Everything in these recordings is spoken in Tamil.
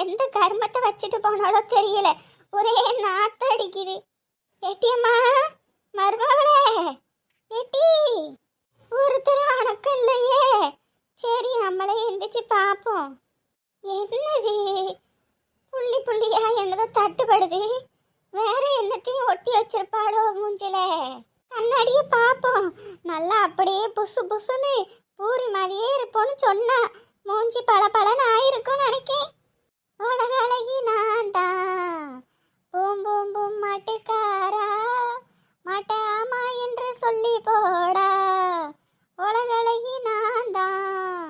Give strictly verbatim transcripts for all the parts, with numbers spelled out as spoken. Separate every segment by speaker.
Speaker 1: எந்த கர்மத்தை வச்சுட்டு போனாலோ தெரியல, ஒரே நாத்தம் அடிக்குது. ஏட்டியம்மா, மருமகளே, ஏட்டி, ஒருத்தர் அணக்கம் இல்லையே. சரி, நம்மளே எந்திரிச்சு பார்ப்போம். என்னது புள்ளி புள்ளியா என்னதோ தட்டுப்படுது. வேற என்னத்தையும் ஒட்டி வச்சிருப்பாளோ மூஞ்சில. கண்ணாடியே பார்ப்போம். நல்லா அப்படியே புசு புசுன்னு பூரி மாதிரியே இருப்போன்னு சொன்னா மூஞ்சி பல பலன்னு ஆயிருக்கும் நினைக்கேன். உலக அழகி நான் தான், பூம் பூம் பூம் மாட்டுக்காரா, மாட்டாமா என்று சொல்லி போடா, உலக அழகி நான் தான்.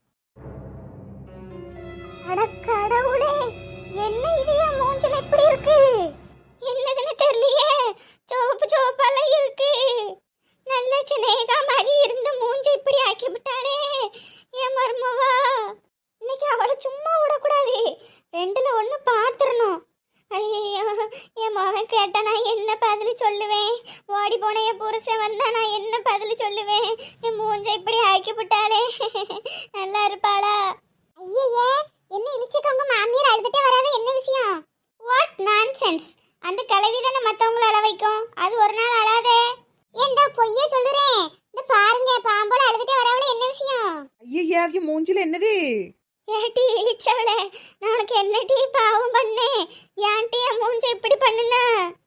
Speaker 1: அட கடவுளே, என்ன இது என் மூஞ்சில எப்படி இருக்கு? என்னதுன்னு தெரியலையே, சோப்பு சோப்பெல்லாம் இருக்கு. நல்ல சின்னேகா மாதிரி இருந்த மூஞ்சி இப்படி ஆக்கி விட்டாளே என் மருமவா. இன்னைக்கு அவளை சும்மா விடக்கூடாது, ரெண்டுல ஒண்ணு பாத்துறணும். ஐயோ, என் மகன் கேட்டா நான் என்ன பதில் சொல்லுவேன்? ஓடி போன என் புருஷன் வந்தா நான் என்ன பதில் சொல்லுவேன்? என் மூஞ்ச இப்படி ஆக்கி விட்டாளே, நல்லா இருப்பாளா? ஐயே, என்ன இழிச்சுக்கவங்க மாமியார் அழுதுட்டே வராத, என்ன விஷயம்? What nonsense. அந்த கிளவி தானே மற்றவங்கள அழ வைக்கும், அது ஒரு நாள் அழாதே. ஏண்டா பொய்யே சொல்லுறேன், இந்த பாருங்க பாம்போட அழுதுட்டே வரவளே, என்ன விஷயம்?
Speaker 2: ஐயா, மூஞ்சில என்னது?
Speaker 1: ஏட்டி இழிச்சவளே, நான் உனக்கு என்னடி பாவம் பண்ணேன்? ஏன்டி என் மூஞ்சி இப்படி பண்ணுனா?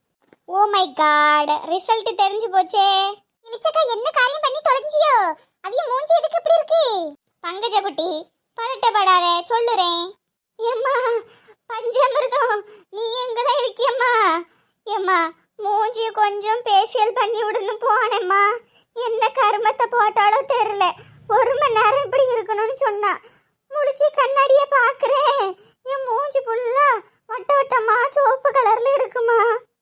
Speaker 1: ஓ மை காட், ரிசல்ட் தெரிஞ்சு போச்சே. இழிச்சக்கா என்ன காரியம் பண்ணி தொலைஞ்சியோ? அவிய மூஞ்சி எதுக்கு இப்படி இருக்கு? பங்கஜ குட்டி, பதட்டப்படாத, சொல்லுறேன். ஏம்மா பஞ்சாமிர்தம், நீ எங்கதான் இருக்கியம்மா? ஏம்மா மூஞ்சிய கொஞ்சம் பேசியல் பண்ணி விடுன்னு போனேம்மா. என்ன கருமத்தை போட்டாலோ தெரியல, ஒரு மணி நேரம் இப்படி இருக்கணும்னு சொன்னா. முடிச்சு கண்ணாடிய பாக்குறேன், என் மூஞ்சி ஃபுல்லா வட்ட வட்டமா சோப்பு கலர்ல இருக்குமா.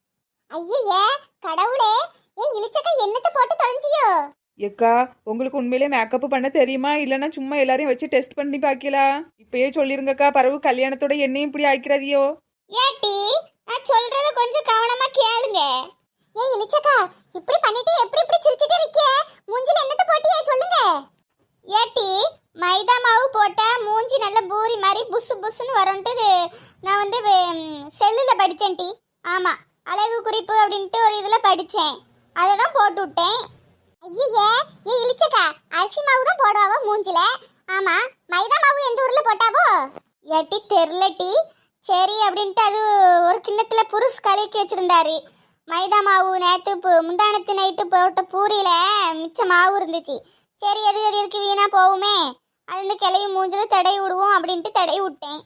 Speaker 1: ஐயே கடவுளே, ஏன் இழிச்சக்கா என்னத்தை போட்டு தொலைஞ்சியோ?
Speaker 2: ஏக்கா, உங்களுக்கு உண்மையிலே மேக்கப் பண்ண தெரியுமா, இல்லைன்னா சும்மா எல்லாரையும் வச்சு டெஸ்ட் பண்ணி பாக்கலாம்? இப்பயே சொல்லிருங்கக்கா, பரவு கல்யாணத்தோட என்னையும் இப்படி ஆய்க்கிறதியோ?
Speaker 1: ஏட்டி, நான் சொல்றத கொஞ்சம் கவனமா கேளுங்க. ஏய் இளிச்சக்கா, இப்படி பண்ணிட்டு எப்படி இப்படி சிரிச்சிட்டே இருக்க? மூஞ்சில என்னத்த போட்டியே சொல்லுங்க. ஏட்டி, மைதா மாவு போட்டா மூஞ்சி நல்ல பூரி மாதிரி புசு புசுன்னு வரும்ட்டு நான் வந்து செல்லுல படிச்சேன் டி. ஆமா, அழகு குறிப்பு அப்படின்ட்டு ஒரு இதுல படிச்சேன், அதை தான் போட்டு விட்டேன். ஐயே, ஏய் இளிச்சக்கா, அரிசி மாவு தான் போடுவாவோ மூஞ்சில. ஆமா, மைதா மாவு எந்த ஊர்ல போட்டாவோ? ஏட்டி தெரியலட்டி. சரி அப்படின்ட்டு அது ஒரு கிண்ணத்துல புருஷ் கலக்கி வச்சிருந்தாரு. மைதா மாவு நேற்று முந்தானத்து நைட்டு போட்ட பூரியில மிச்ச மாவு இருந்துச்சு. சரி, எது எது இருக்கு வீணா போகுமே, அது இந்த கிளையும் மூஞ்சில தடை விடுவோம் அப்படின்ட்டு தடை விட்டேன்.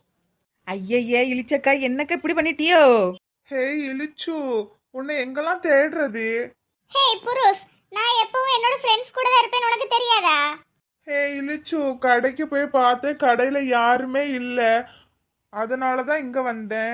Speaker 2: ஐயே இழிச்சக்கா, என்னக்கா இப்படி பண்ணிட்டியோ?
Speaker 3: ஹே இழிச்சு, உன்னை எங்கெல்லாம் தேடுறது?
Speaker 1: ஹே புருஷ், நான் எப்பவும் என்னோட ஃப்ரெண்ட்ஸ் கூட தான் இருப்பேன், உனக்கு தெரியாதா?
Speaker 3: ஹே இழிச்சு, கடைக்கு போய் பார்த்தேன், கடையில யாருமே இல்ல, அதனாலதான் இங்க வந்தேன்.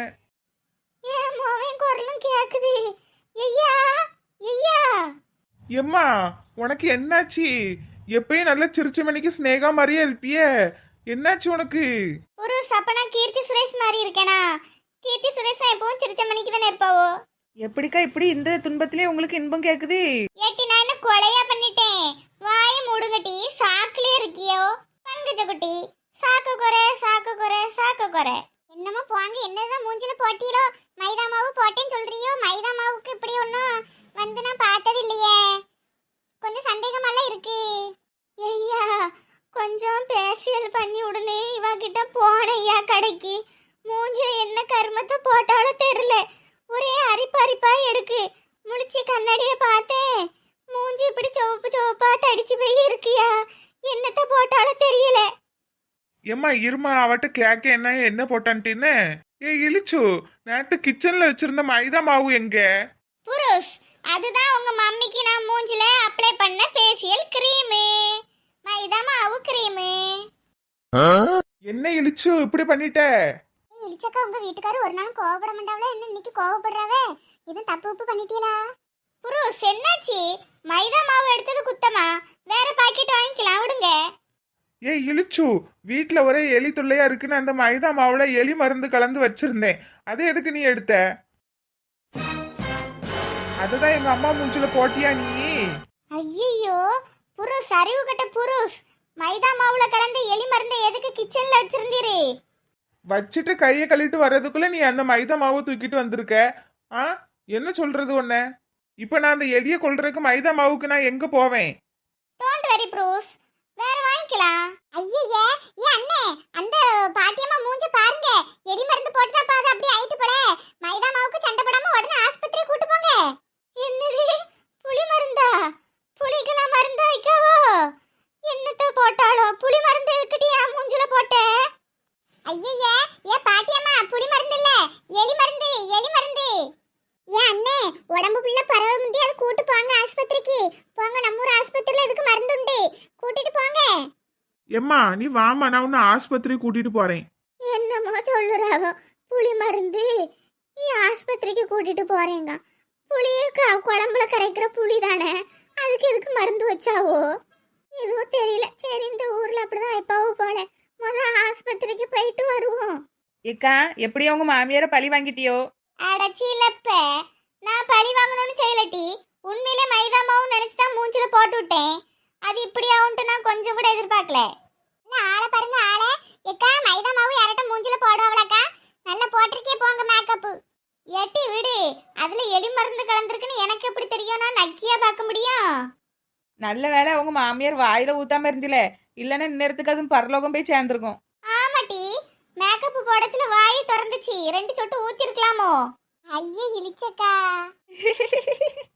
Speaker 1: ஏன் மோவன் குரலும் கேக்குது? ஐயா ஐயா.
Speaker 3: எம்மா, உனக்கு என்னாச்சு? எப்பயும் நல்ல சிரிச்ச மணிக்கு ஸ்னேகா மாதிரியே இருப்பியே, என்னாச்சு உனக்கு?
Speaker 1: ஒரு சப்பனா கீர்த்தி சுரேஷ் மாதிரி இருக்கேனா? கீர்த்தி சுரேஷ் எப்பவும் சிரிச்ச மணிக்கு தானே இருப்பாவோ.
Speaker 2: எப்படிக்கா இப்படி இந்த துன்பத்திலே உங்களுக்கு இன்பம் கேக்குது?
Speaker 1: ஏட்டி, நான் என்ன கொலையா பண்ணிட்டேன்? வாய மூடுங்கட்டி, சாக்குலயே இருக்கியோ? பங்கஜ குட்டி, சாக்கு குறை சாக்கு குறை சாக்கு குறை. என்னமோ போங்க, என்னதான் மூஞ்சில போட்டீரோ? மைதா மாவு போட்டேன்னு சொல்றியோ? மைதா மாவுக்கு இப்படி ஒன்றும் வந்து நான் பார்த்தது இல்லையே, கொஞ்சம் சந்தேகமெல்லாம் இருக்கு. ஐயா, கொஞ்சம் பேசியல் பண்ணி உடனே இவகிட்ட போனையா கடைக்கு. மூஞ்சி என்ன கர்மத்தை போட்டாலும் தெரியல, ஒரே அரிப்பு அரிப்பா எடுக்கு. முழிச்சு கண்ணாடியில பார்த்தேன், மூஞ்சி இப்படி சிவப்பு சிவப்பா தடிச்சு போய் இருக்கியா. என்னத்த போட்டாலும் தெரியல.
Speaker 3: எம்மா இருமா, அவட்ட கேக்க என்ன என்ன போட்டான்ட்டின்னு. ஏ இழிச்சு, நேத்து கிச்சன்ல வச்சிருந்த மைதா மாவு எங்க?
Speaker 1: புருஷ், அதுதான் உங்க மம்மிக்கு நான் மூஞ்சில அப்ளை பண்ண ஃபேஷியல் கிரீம், மைதா மாவு கிரீம்.
Speaker 3: என்ன இழிச்சு இப்படி பண்ணிட்ட?
Speaker 1: இழிச்சக்கா, உங்க வீட்டுக்காரர் ஒரு நாள் கோவப்பட மாட்டாவல, என்ன இன்னைக்கு கோவப்படுறாவே? இது தப்பு உப்பு பண்ணிட்டீங்களா? புருஷ், என்னாச்சு? மைதா மாவு எடுத்தது குத்தமா? வேற பாக்கெட் வாங்கிக்கலாம், விடுங்க.
Speaker 3: ஏ இழிச்சு, வீட்டுல ஒரே எலி தொல்லையா இருக்குன்னு அந்த மைதா மாவுல எலி மருந்து கலந்து வச்சிருந்தேன், அது எதுக்கு நீ எடுத்த? அதுதான் எங்க அம்மா மூஞ்சில போட்டியா நீ?
Speaker 1: ஐயோ புருஷ், அறிவு கட்ட புருஷ், மைதா மாவுல கலந்து எலி மருந்தை எதுக்கு கிச்சன்ல வச்சிருந்தீரு?
Speaker 3: வச்சுட்டு கையை கழுவிட்டு வர்றதுக்குள்ள நீ அந்த மைதா மாவை தூக்கிட்டு வந்திருக்க. ஆ என்ன சொல்றது உன்ன? இப்ப நான் அந்த எலிய கொல்றதுக்கு மைதா மாவுக்கு நான் எங்க போவேன்?
Speaker 1: டோன்ட் வெரி ப்ரூஸ், வேற வாங்கிக்கலாம். ஐயய்ய, ஏ அண்ணே, அந்த பாட்டியம்மா மூஞ்ச பாருங்க. எரி மருந்து போட்டுதா பாது அப்படியே ஆயிட்டு போல. மைதா மாவுக்கு சண்டை போடாம உடனே ஆஸ்பத்திரி கூட்டு போங்க. என்னது புளி மருந்தா? புளிக்கெல்லாம் மருந்து வைக்கவோ? என்னத்த போட்டாளோ? புளி மருந்து எதுக்கிட்டு என் மூஞ்சில போட்ட? ஐயய்ய, ஏ பாட்டியம்மா, புளி மருந்து இல்ல, எலி மருந்து, எலி மருந்து. ஏன் அண்ணே, உடம்பு புள்ள பரவ முந்தி அது கூட்டு போங்க ஆஸ்பத்திரிக்கு. போங்க, நம்ம ஊர் ஆஸ்பத்திரியில இதுக்கு மருந்து உண்டு, கூட்டிட்டு போங்க.
Speaker 3: எம்மா நீ வாமா, நான் உன்னை ஆஸ்பத்திரி கூட்டிட்டு போறேன்.
Speaker 1: என்னமோ சொல்லுறாவோ, புளி மருந்து நீ ஆஸ்பத்திரிக்கு கூட்டிட்டு போறேங்க. புளிய க- குழம்புல கரைக்கிற புளி தானே, அதுக்கு எதுக்கு மருந்து வச்சாவோ எதுவும் தெரியல. சரி, இந்த ஊர்ல அப்படிதான் வைப்பாவோ போல. முத ஆஸ்பத்திரிக்கு போயிட்டு வருவோம்.
Speaker 2: ஏக்கா எப்படி உங்க மாமியாரை பழி வாங்கிட்டியோ?
Speaker 1: அடச்சிலப்ப, நான் பழி வாங்கணும்னு செய்யலட்டி. உண்மையிலே மைதா மாவு நினைச்சுதான் மூஞ்சில போட்டு விட்டேன். அது இப்படி ஆகும்ட்டு நான் கொஞ்சம் கூட எதிர்பார்க்கல. ஆளை பாருங்க ஆளை. எக்கா, மைதா மாவு யார்ட்ட மூஞ்சில போடுவாங்களாக்கா? நல்லா போட்டிருக்கே போங்க மேக்கப்பு. எட்டி விடு, அதுல எலி மருந்து கலந்துருக்குன்னு எனக்கு எப்படி தெரியும்? நான் நக்கியா பார்க்க முடியும்?
Speaker 2: நல்ல வேளை உங்க மாமியார் வாயில ஊத்தாம இருந்தில, இல்லைன்னா இந்நேரத்துக்கு அதுவும் பரலோகம் போய் சேர்ந்துருக்கும்.
Speaker 1: ஆமாட்டி, மேக்கப் போடச்சுல வாய் திறந்துச்சு, ரெண்டு சொட்டு ஊத்தி இருக்கலாமோ? ஐயே இழிச்சக்கா.